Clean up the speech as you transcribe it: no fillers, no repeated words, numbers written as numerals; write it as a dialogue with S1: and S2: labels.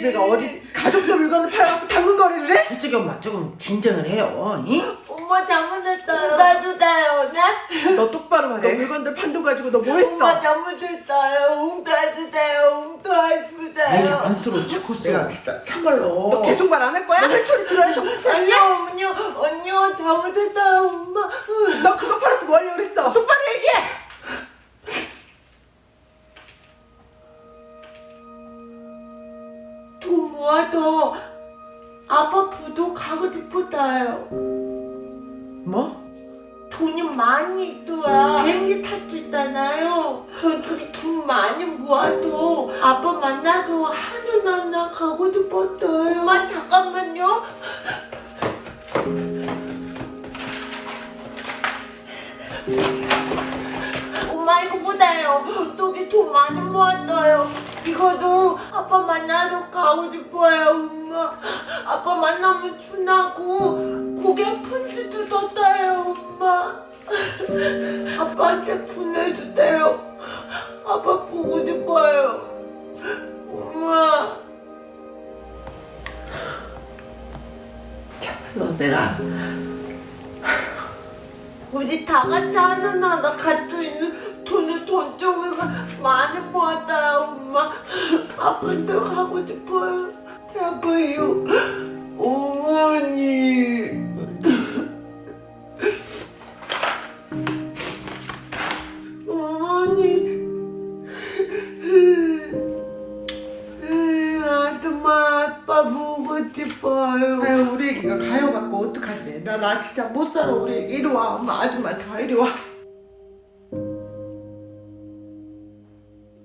S1: 니네가 어디 가족들 물건을 팔아갖고 당근거리를 해?
S2: 저쪽이 엄마 조금 진정을 해요. 응?
S3: 엄마 잘못했어요. 나도 다요.
S1: 너 똑바로 말해. 너 물건들 판돈 가지고 너 뭐 했어?
S3: 엄마 잘못했어요. 도와주세요.
S2: 내가
S3: 도와주세요.
S2: 안쓰러워 죽겠어.
S1: 내가 진짜 참말로. 너 계속 말 안 할 거야? 너 혈초리 들어야 정신 차리냐?
S3: 언니요 잘못했어요 엄마.
S1: 너 그거 팔아서 뭐 하려고 그랬어? 똑바로 얘기해!
S3: 돈 모아서 아빠 부도 가고 싶었어요.
S1: 뭐?
S3: 돈이 많이 있어야 비행기 탈 수 있잖아요. 저쪽이 돈 많이 모아도 아빠 만나도 하늘나라 가고 싶었어요. 엄마 잠깐만요. 엄마 이거 보다요. 저쪽이 돈 많이 모았어요. 이거도 아빠 만나러 가고 싶어요. 엄마 아빠 만나면 준하고 고개 편지도 떴어요. 엄마 아빠한테 보내주세요. 아빠 보고 싶어요. 엄마
S1: 참말로 내가
S3: 우리 다 같이 하늘나라 갈 수 있는 돈을 저쪽에가 많이 모았어요. 엄마 아빠한테 가고 싶어요. 제발요. 어머니 어머니 아줌마 아빠 보고 싶어요.
S1: 아유 우리 애기가 가요 갖고 어떡하지? 나 진짜 못 살아. 우리 이리 와. 엄마 아줌마 다 이리 와.